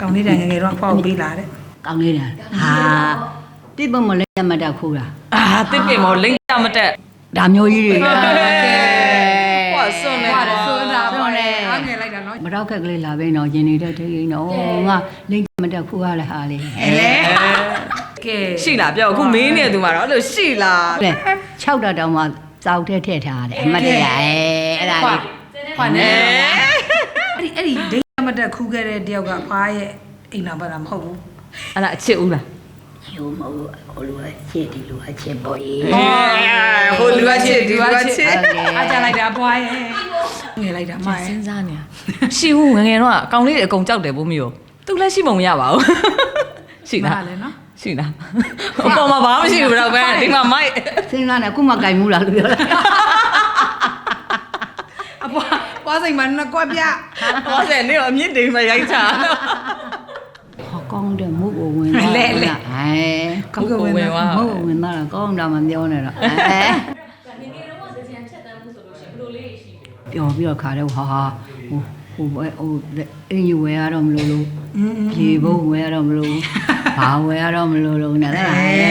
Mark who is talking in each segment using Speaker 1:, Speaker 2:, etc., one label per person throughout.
Speaker 1: ကောင်းလေးတိုင်ငယ်တော့အဖွားကိုပေးလာတဲ့
Speaker 2: ကောင်းလေးတာဟာတိပုံမလဲမတက်ခိုးတာ
Speaker 3: တစ်ပင်မောလိမ့်တမတက်
Speaker 2: ဒါမျိုးကြီးတွေ
Speaker 3: ဟောစွန်းနေပါ
Speaker 1: စွန်းတာပေါ့လေအားငယ်လိုက်တာနော်
Speaker 2: မတော့ခက်ကလေးလာပဲနော်ရင်နေတဲ့ထိရင်နော်ငါလိမ့်မတက်ခိုးရလဲဟာလေ
Speaker 1: ကဲ
Speaker 3: ရှိလားပြောအခုမင်းနေသူမှာတော့အဲ့လိုရှိလား
Speaker 2: လေ6တောင်မှစောက်ထဲထည့်ထားတယ်အမတ်တရအဲ့ဒါလေး
Speaker 1: ဖွာနေအဲ့ဒီဒိတ်မတက်ခူးခဲ့တဲ့တယောက်ကဖွာရဲ့အိမ်နာပါတာမဟုတ်ဘူး
Speaker 3: အဲ့ဒါအချစ်ဦးလား
Speaker 2: ယူမဟုတ်ဟိုလူကချစ်ဒီလူကချစ်ပေါ်ရေး
Speaker 3: ဟိုလူကချစ်ဒီလူကချစ်
Speaker 1: အားကြလိုက်တာဖွာရဲ့ငယ်လိုက်တာမ
Speaker 3: စဉ်းစားနေရှိဘူးငငယ်တော့အကောင်လေးတွေအကုန်ကြောက်တယ်ဘိုးမျိုးသူလည်းရှိပုံမရပါဘူးရှိလား
Speaker 1: လည်းနော်
Speaker 3: ရှိလားအပေါ်မှာဘာမှမရှိဘူးတော့ပဲဒီမှာမိုက်
Speaker 2: စဉ်းစားနေအခုမှကြိုင်မှုလားလို့ပြောလား
Speaker 1: အပွားစိန်မှာနှစ်ကွက်ပြ
Speaker 3: ပွားစိန်နေတော့အမြင့်တိမ်မှာရိုက်ချာ
Speaker 2: ဟောကောင်းတယ်မုတ်ကိုဝင်သွား
Speaker 1: လဲ
Speaker 2: ဟဲ
Speaker 1: ကောင်းကဝင်သွား
Speaker 2: မုတ်ကိုဝင်သွားတာကောင်းတာမပြောနဲ့တော့
Speaker 4: နေနေတော့စကြံချက်တန်းမှုဆိုလို့ရှိရင်ဘယ်လိုလေးရှိလဲ
Speaker 2: ပျော်ပြီးတော့ခါတော့ဟာဟိုအင်းယူဝဲရတော့မလို့လို့ပြေဖို့ဝဲရတော့မလို့ဘာဝဲရတော့မလို့လို့နဲ့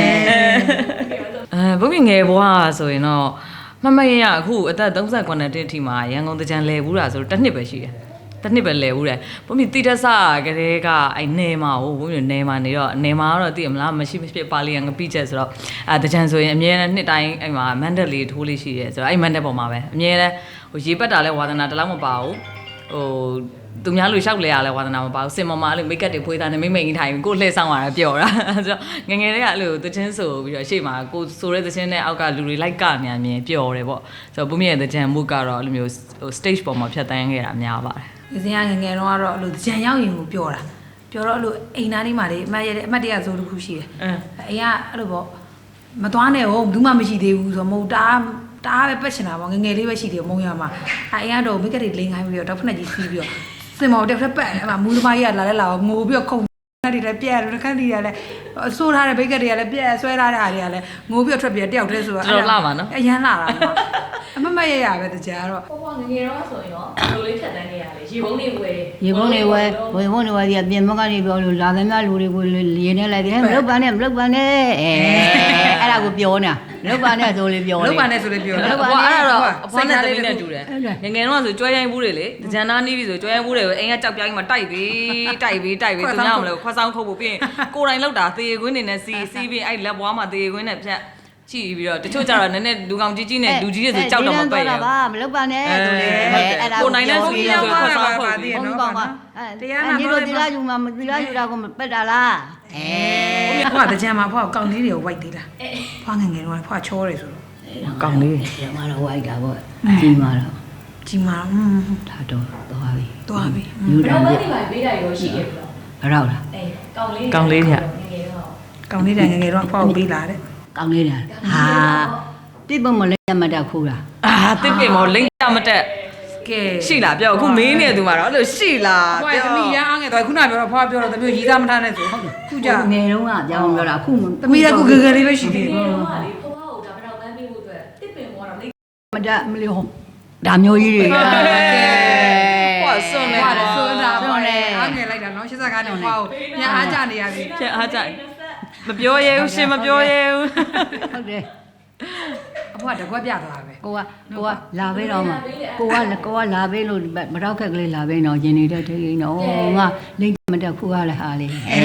Speaker 3: ဘုန်းကြီးငယ်ဘွားဆိုရင်တော့မမရအခုအသက်39နှစ်အထိမှာရန်ကုန်တကြံလဲဘူးတာဆိုတော့တစ်နှစ်ပဲရှိတယ်တစ်နှစ်ပဲလဲဘူးတယ်ဘုန်းကြီးတိတဆကလေးကအဲ့နယ်မှာဟိုဘုန်းကြီးနယ်မှာနေတော့နယ်မှာတော့သိရမလားမရှိဖြစ်ပါလီရန်ငပိချက်ဆိုတော့တကြံဆိုရင်အမြဲတမ်းနှစ်တိုင်းအဲ့မှာမန်ဒက်လေးထိုးလေးရှိတယ်ဆိုတော့အဲ့မန်ဒက်ပေါ်မှာပဲအမြဲတမ်းဟိုရေပတ်တာလဲဝါသနာတလောက်မပါဘူးဟိုသူများလူလျှောက်လဲရလဲဝါသနာမပါဘူးစင်မမအဲ့လိုမိတ်ကပ်တွေဖွေးသားနေမိမ့်မိန်ထိုင်ကိုလှည့်ဆောင်ရတာပျော်တာဆိုတော့ငငယ်လေးကအဲ့လိုသချင်းဆိုပြီးတော့ရှေ့မှာကိုဆိုတဲ့သချင်းနဲ့အောက်ကလူတွေလိုက်ကနေအမြင်ပျော်တယ်ပေါ့ဆိုတော့ဘုမရဲ့သချင်းမှုကတော့အဲ့လိုမျိုးဟို stage ပေါ်မှာဖြတ်တန်းခဲ့တာများပါတယ်
Speaker 1: ဒီစင်ကငငယ်တော့ကတော့အဲ့လိုကြံရောက်ရင်ကိုပြောတာပြောတော့အဲ့လိုအိမ်သားလေးမှာလေအမှတ်တရဆိုတစ်ခုရှိတယ်အိမ်ကအဲ့လိုပေါ့မသွားနဲ့ဟုတ်ဘူးမှမရှိသေးဘူးဆိုတော့မဟုတ်တားပဲပတ်ချင်တာပေါ့ငငယ်လေးပဲရှိသေးတယ်မုံရမှာအိမ်ကတော့မိကတ်တွေလိန်ခိုင်းပြီးတော့တော့ဖက်နဲ့ကြီးစီးပြီးတော့စင်မော်တက်ဖက်ပတ်အဲ့မှာမူသမားကြီးကလာလဲလာတော့ငိုပြီးတော့ခုန်ခက်တွေလည်းပြက်တယ်ခက်တွေကလည်းဆိုးထားတဲ့ဘိတ်ကတ်တွေကလည်းပြက်ဆွဲထားတဲ့အားတွေကလည်းငိုပြီးတော့ထွက်ပြေးတယောက်တည်းဆိုတော့
Speaker 3: တော်လာပါနော်
Speaker 1: အရန်လာတာအမရပဲတကြတော့
Speaker 4: ဟိုကငငယ်တော့ဆိုရင်တော့ဘယ်လိုလေးဖြတ်တန်းနေရလဲရေပုံးတွေဝယ်
Speaker 2: ရေပုံးတွေဝယ်ဒီပြင်မကနေပြောလို့လာသမျှလူတွေကိုရေနဲ့လိုက်တယ်မလုပ်ပါနဲ့အဲ့ဒါကိုပြောနေတာလုပ်ပါနဲ့ဆိုလေပြော
Speaker 1: လုပ်ပါနဲ့ဆိုလေပြော
Speaker 3: အဲ့တော့အဖွားနဲ့တမီးနဲ့တူတယ်ငငယ်တော့ဆိုကြွဲရိုင်းဘူးတွေလေကြံသားနီးပြီဆိုကြွဲရိုင်းဘူးတွေကိုအိမ်ကကြောက်ပြားကြီးမှာတိုက်ပြီးသူများမလို့ခွက်ဆောင်ခုတ်ဖို့ပြီးရင်ကိုယ်တိုင်လောက်တာသေခွင်းနေနဲ့စီးပြီးအဲ့လက်ဘွားမှာသေခွင်းနဲ့ဖြတ်ကြည့်ပြီးတော့တချို့ကျတော့နည်းနည်းလူကောင်ကြီးနဲ့လူကြီးတွေဆိုကြောက်တော့မပက်ရဘူး
Speaker 2: မလုပ်ပါနဲ့ဆိုလေအဲ့ဒါ
Speaker 3: ကိုနိုင်တဲ့စီးဆိုခွက်ဆောင်ခုတ်
Speaker 2: ပြီးဘုံကောင်ကတရားနာလို့ဒီလားယူမှာဒီလားယူတာကိုပက်တာလား
Speaker 1: ဖွာတကြံမှာဖွာကောင်းလေးတွေကိုဝိုက်သေးလားဖွာငငယ်တော့ဖွာချောတယ်ဆိုတော့
Speaker 3: ကောင်းလေး
Speaker 2: ကျမတော့ဝိုက်တာပေါ့ကြီးမာတော့ဒါတော့သွားပြီ
Speaker 4: ယူတာလေဘယ်လိုပေးတာရောရှိခဲ့ပြီ
Speaker 2: တော့လား
Speaker 3: ကောင်းလေးည
Speaker 1: ကောင်းလေးတိုင်ငငယ်တော့ဖွာကိုပေးလာတဲ့
Speaker 2: ကောင်းလေးတာဟာတိပုံမလဲမတက်ခိုးတာ
Speaker 3: တစ်ပင်မောလိမ့်တမတက်ကဲရှိလားပြောအခုမင်းနေသူမှာတော့အဲ့လိုရှိလား
Speaker 1: ပြောသမီးရအားငယ်တော့ခုနပြောတော့ဖွာပြောတော့သမီးရီးသားမထားနဲ့ဆိုဟုတ်တယ်ခုကြ
Speaker 2: ငယ်တုန်းကကြောင်းပြောတာအခု
Speaker 1: သမီးကခုဂဂလေးပဲရှိသေးတယ်
Speaker 4: ငယ်တုန်းကလေဖွားကိုဒါပထောက်ပန်းပေးဖို့အတွက်တစ်ပင်ပေါ်တော့လိမ့်
Speaker 2: မတက်မလို့ဒါမျိုးကြီးတွေကဲ
Speaker 3: ဟောစွန်းနေ
Speaker 1: ပါစွန်းတာပေါ့လေအားငယ်လိုက်တာနော်85နဲ့ဖွာကိုပြန်အားကြနေရပြီ
Speaker 3: ပြန်အားကြမပြောရဲဘူးရှင်မပြောရဲဘူး
Speaker 2: ဟုတ်တယ်
Speaker 1: အဖွားတကွက်ပြသွားပဲ
Speaker 2: ကိုကလာပေးတော့မှာကိုကလာပေးလို့မတော့ခက်ကလေးလာပေးတော့ရင်နေတဲ့ထိရင်တော့ငါလိမ့်မတက်ခုရလဲဟာလေ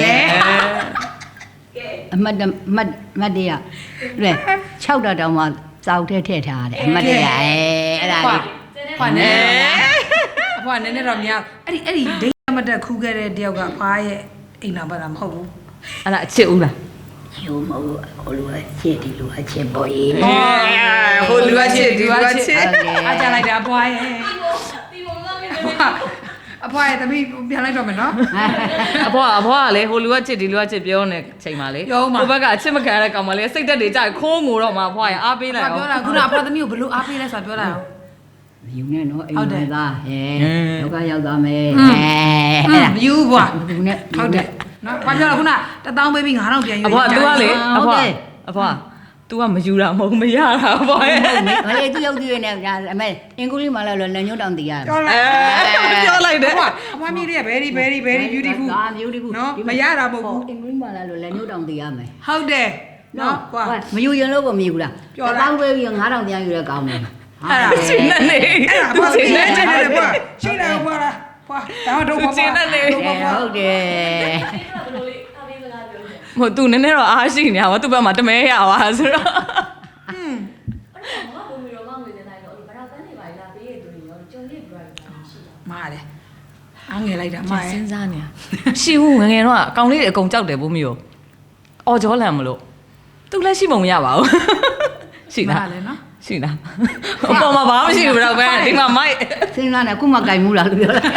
Speaker 2: အမတ်တရလေ6တောင်မှစောက်ထဲထည့်ထားတယ်အမတ်တရအဲ့ဒါလေး
Speaker 1: ဖွာနေအဖွားနည်းနည်းတော့များအဲ့ဒီဒိတ်မတက်ခူးခဲ့တဲ့တယောက်ကဖွားရဲ့အိမ်နာပါတာမဟုတ်ဘူး
Speaker 3: အဲ့ဒါအချစ်ဦးလား
Speaker 2: ယူမဟုတ်ဟိုလူကချစ်ဒီလူကချစ်ပေါ်ရေး
Speaker 3: ဟိုလူကချစ်ဒီလူကချစ်
Speaker 1: အားကြလိုက်တာအဖွားရဲ့
Speaker 4: ဒီပုံစံမျိုး
Speaker 1: အဖွားရဲ့သမီးပြန်လိုက်တော့မယ်နော်
Speaker 3: အဖွားကလေဟိုလူကချစ်ဒီလူကချစ်ပြောနေချိန်မှာလေဟိုဘက်ကအချစ်မခံရတဲ့ကောင်မလေးစိတ်သက်တွေကြခိုးငိုတော့မှအဖွားရဲ့အားပေးလိုက်
Speaker 1: အောင်ပြောတာခုနအဖွားသမီးကိုဘလို့အားပေးလဲဆိုတာပြောတာ
Speaker 2: ယူနေနော်အိမ်ဝင်သားလောကရောက်သွားမယ်
Speaker 1: မယူဘွားဘူးနဲ့ဟုတ်တယ်နော်ဘာပြောလဲခုန1000ပေးပြီး9000ပြန်ယူ
Speaker 3: အဖွား तू ကလေအဖွားဟ तू ကမယူတာမဟုတ်မရတာပေါ့ရဲ့
Speaker 2: မလေးသူရောက်သူရဲ့နဲ့အမေအင်္ဂလိပ်မှာလည်းလက်ညှိုးတောင်တည်ရတယ်
Speaker 3: ပြောလိုက်တယ်
Speaker 1: အမွားမီးလေးက very beautiful
Speaker 2: ဒါ beautiful
Speaker 1: နော်မရတာမဟုတ်ဘူး
Speaker 2: အင်္ဂလိပ်မှာလည်းလက်ညှိုးတောင်တည်ရမယ်
Speaker 1: ဟုတ်တယ်နော်ကွာ
Speaker 2: မယူရင်လို့မမြည်ဘူးလား
Speaker 1: ပြောလား
Speaker 2: တောင်းပေးပြီး9000ပြန်ယူရကောင်းတယ်
Speaker 1: အဲ့ဒါ
Speaker 3: ရှင်းနေ
Speaker 1: အဲ့ဒါဘာလို့လဲတဲ့ကွာရှိတယ်ကွာလားကွာဒါတော့ဘာ
Speaker 3: ရှင်းနေ
Speaker 2: ဟုတ်တယ်
Speaker 4: ဘယ်လိုလေးအပေးစကားပြောလဲ
Speaker 3: ဟို तू နည်းနည်းတော့အားရှိနေရပါ तू ဘက်မှာတမဲရပါဆိုတော့
Speaker 4: အဲ့တော့ဘုံမီရောမငွေစင်တိုင်းတော့အဲ့ဘာသာပန်းနေပါလားပေးရတူနေရောကြုံလေး bright ရှိတာ
Speaker 1: မားတယ်အားငယ်လိုက်တာမားရ
Speaker 3: စဉ်းစားနေရရှိဘူးငငယ်တော့အကောင်လေးတွေအကုန်ကြောက်တယ်ဘိုးမျိုးအော်ဂျောလန်မလို့ तू လည်းရှိပုံမရပါဘူးရှိလား
Speaker 1: မားတယ်နော်
Speaker 3: ရှိလားအပေါ်မှာဘာမှမရှိဘူးတော့ပဲဒီမှာမိုက်
Speaker 2: စဉ်းစားနေအခုမှကြိုင်မှုလားလို့ပြောလိုက်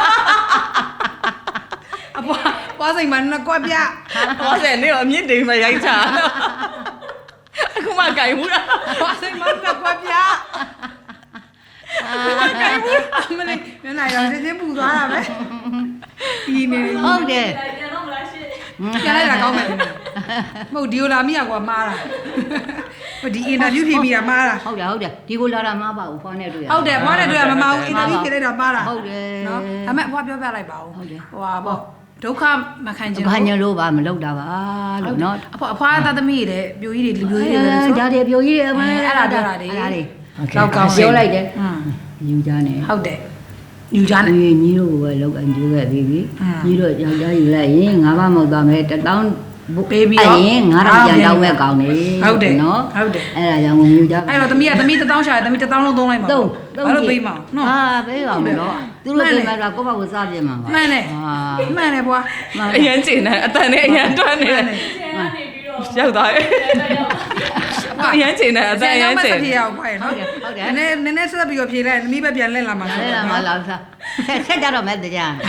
Speaker 1: အပွားစိန်မှာနှစ်ကွက်ပြ
Speaker 3: ဟောတယ်နေတော့အမြင့်တိမ်မှာရိုက်ချအခုမှကြိုင်ဘူးလား
Speaker 1: ပွားစိန်မှာနှစ်ကွက်ပြမလေးမျက်နှာရောင်ချင်းပူသွားတာပဲဒီနေ
Speaker 2: ဟုတ်တယ်
Speaker 4: ပြန်တော့မလားရှင်း
Speaker 1: ပြန်လိုက်တာကောင်းမယ်မဟုတ်ဒီလိုလာမိရကွာမားတာဒီအင်တာဗျူးဖြေမိတာမားတာ
Speaker 2: ဟုတ်တယ်ဒီကိုလာတာမပါဘူးဖွားနဲ့တွေ့ရ
Speaker 1: ဟုတ်တယ်ဘွားနဲ့တွေ့ရမမအောင်အင်တာဗျူးဖြေလိုက်တာမားတာ
Speaker 2: ဟုတ်တယ်
Speaker 1: နော်ဒါပေမဲ့ဘွားပြောပြလိုက်ပါဦး
Speaker 2: ဟုတ်တယ်
Speaker 1: ဟိုဟာပေါ့ဒုက္ခမခံချင်
Speaker 2: ဘာညလို့ပါမလုပ်တာပါလို့နော်
Speaker 1: အဖွားသားသမီးတွေတဲ့ပြိုကြီးတွေလူပြိုကြီးတွေပဲဆို
Speaker 2: ဒါတွေပြိုကြီးတွေအမ
Speaker 1: အဲ့ဒါပြောတာတွေ
Speaker 2: အဲ့ဒါတွေ
Speaker 1: လောက်ကောင်း
Speaker 2: ပြောလိုက်တယ်
Speaker 1: อืม
Speaker 2: ယူကြနေ
Speaker 1: ဟုတ်တယ်ယူကြတယ်
Speaker 2: ညီတို့ကလောက်အန်ကျိုးခဲ့ပြီးပြီညီတို့ယောက်ျားယူလိုက်ရင်ငါးပါးမောက်သွားမယ်1000
Speaker 1: ပေးပြီးတော့
Speaker 2: ရင်9000ပြန်တောင်းမဲ့ကောင်းနေ
Speaker 1: ဟုတ်တယ်
Speaker 2: နော်
Speaker 1: ဟုတ်တယ်
Speaker 2: အဲ့ဒါကြောင့်မြူကြ
Speaker 1: အဲ့တော့သမီး1000ရှာတယ်သမီး1000လုံးသုံးလိုက်ပါဘာလို့ပေးမအောင်နော်
Speaker 2: ဟာပေးပါမယ်နော်သူတို့ပေးမှာကကိုယ့်ဘာကိုစားပြမှာပါ
Speaker 1: မှန်တယ်
Speaker 2: ဟာ
Speaker 1: မှန်တယ်ဘွား
Speaker 3: အရန်ကျင်နေအတန်နဲ့အရန်တွန်းနေတယ်
Speaker 4: ကျန်ကနေပြီးတော့
Speaker 3: ရောက်သွားတယ်အရန်ကျင်နေအတန်အရန်ကျင်
Speaker 1: ဖြေရအောင်ပါရနော်နည်းနည်းဆက်ပြီးတော့ဖြေလိုက်သမီးပဲပြန်လက်လာမှာ
Speaker 2: အဲ့ဒါမှလာစားဆက်ကြတော့မဲ့တရား
Speaker 4: โอ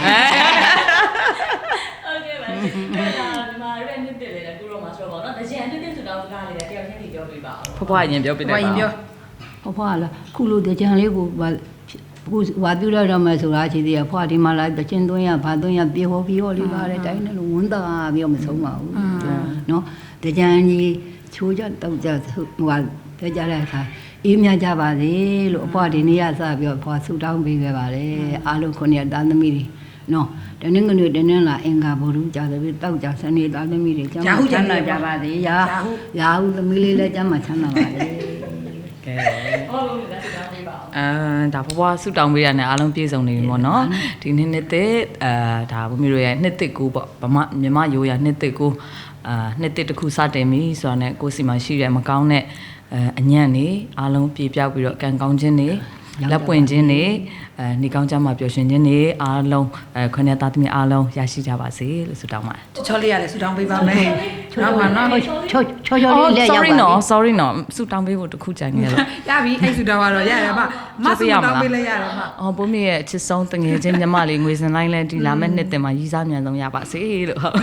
Speaker 4: เคပါအဲ့ဒါဒီမှာရက်နှစ်တက်လေကူတော့မှာဆိုတော့ဗောနော်တကြံတက်တက်ဆိုတော့စကားလေးတယောက်ချင်းစီပြောပြပါအောင်
Speaker 3: ဖွားဖွားရင်ပြောပြတယ်
Speaker 1: ဘွားရင်ပြော
Speaker 2: ဟောဖွားလားခုလိုတကြံလေးကိုခုဝါပြရတော့မယ်ဆိုတာချီသေးရဖွားဒီမှာလာတချင်းသွင်းရဘာသွင်းရပြေဟောပြီးဟောလေးပါတဲ့တိုင်းနဲ့လို့ဝန်တာပြီးတော့မဆုံးပါဘူးနော်တကြံကြီးချိုးကြတောက်ကြဟိုပြောကြတဲ့အခါအေးမြကြပါစေလို့အဖွားဒီနေ့ရစပြီးတော့ဖွားဆူတောင်းပေးခဲ့ပါတယ်အားလုံးခုနှစ်သားသမီးတွေနော်တနင်္ဂနွေတနင်္လာအင်္ဂါဗုဒ္ဓကြာတယ်ပြီးတောက်ကြစနေသားသမီးတွေကျမ်းချမ်းသာကြပါစေရာဟုသမီးလေးလည်းကျမ်းချမ်းသာပါစေ
Speaker 3: ကဲ
Speaker 4: ဟောလို့လက်စကားပြပါအောင်
Speaker 3: ဒါဖွားဖွားဆူတောင်းပေးရတယ်အားလုံးပြည့်စုံနေပြီပေါ့နော်ဒီနှစ်သက်ဒါဘုမျိုးရဲ့နှစ်သက်ကိုပေါ့ဗမာမြန်မာရိုးရနှစ်သက်ကိုနှစ်သက်တစ်ခုစတင်ပြီဆိုတာနဲ့ကိုစီမှာရှိတဲ့မကောင်းတဲ့အညံ့နေအားလုံးပြေပြောက်ပြီးတော့ကံကောင်းခြင်းနေလက်ပွင့်ခြင်းနေနေကောင်းကြမှာပျော်ရွှင်ခြင်းနေအားလုံးခွနဲ့သားသမီးအားလုံးရရှိကြပါစေလို့ဆုတောင်းပါတယ်
Speaker 1: ချောလေးရတယ်ဆူတောင်းပေးပါမယ်နောက်ပါနော်
Speaker 2: ချောလေးလက်ရောက်ပါ
Speaker 3: sorry နော်ဆုတောင်းပေးဖို့တခုကြံခဲ့လို့
Speaker 1: ရပြီအဲ့ဆူတောင်းကတော့ရတယ်မဆူတောင်းပေးလိုက်ရတယ်မ
Speaker 3: အော်ဘုမေရဲ့ချစ်ဆုံးတငယ်ချင်းညီမလေးငွေစင်လိုင်းလဲဒီလာမဲ့နှစ်တင်မှာရီးစားမြန်ဆုံးရပါစေလို့ဟုတ်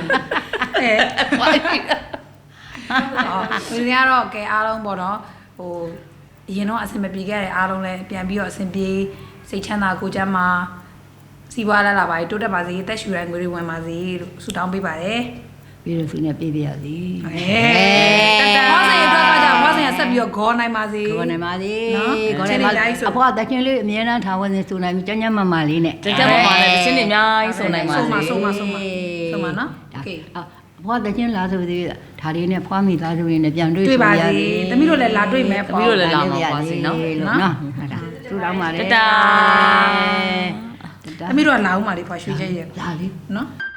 Speaker 1: ဒီနေ့ကတော့ကဲအားလုံးပေါ့နော်ဟိုအရင်တော့အဆင်မပြေခဲ့တဲ့အားလုံးလည်းပြန်ပြီးတော့အဆင်ပြေစိတ်ချမ်းသာကိုယ်ချမ်းသာစီးပွားလာပါတိုးတက်ပါစေတက်ရှူရန်ငွေတွေဝင်ပါစေလို့ဆုတောင်းပေးပါတယ်
Speaker 2: ပြီးတော့သူနဲ့ပြေးပြရစီ
Speaker 1: ဟောဆိုင်အတွက်ကကြဟောဆိုင်ကဆက်ပြီးတော့ဂေါ်နိုင်ပါစေ
Speaker 2: ခေါ်နေပါစေ
Speaker 1: နော်
Speaker 2: ခေါ်နေပါအဖွားတချင်းလေးအမြဲတမ်းထားဝင်နေဆိုနိုင်ပြီကျန်းမလေးနဲ့
Speaker 3: ကြကြမပါနဲ့တချင်းတွေအများကြီးစုံနိုင်ပါစေ
Speaker 1: ဆုံးမနော်โอเค
Speaker 2: အဖွားတချင်းလာဆိုသေးဒါလေးနဲ့ဖွားမိသားစုလေးနဲ့ပြန်တွေ့
Speaker 1: တွေ့ပါစေသမီးတို့လည်းလာတွေ့မယ်
Speaker 3: သမီးတို့လည်းလာမှာပါစေနော်
Speaker 2: နော်ဟုတ်တာသူတောင်းပါလေ
Speaker 3: တတာ
Speaker 1: သမီးတို့ကလာဦးမှာလေဖွာရွှေချက်ရဲ့
Speaker 2: လာလေ
Speaker 1: နော်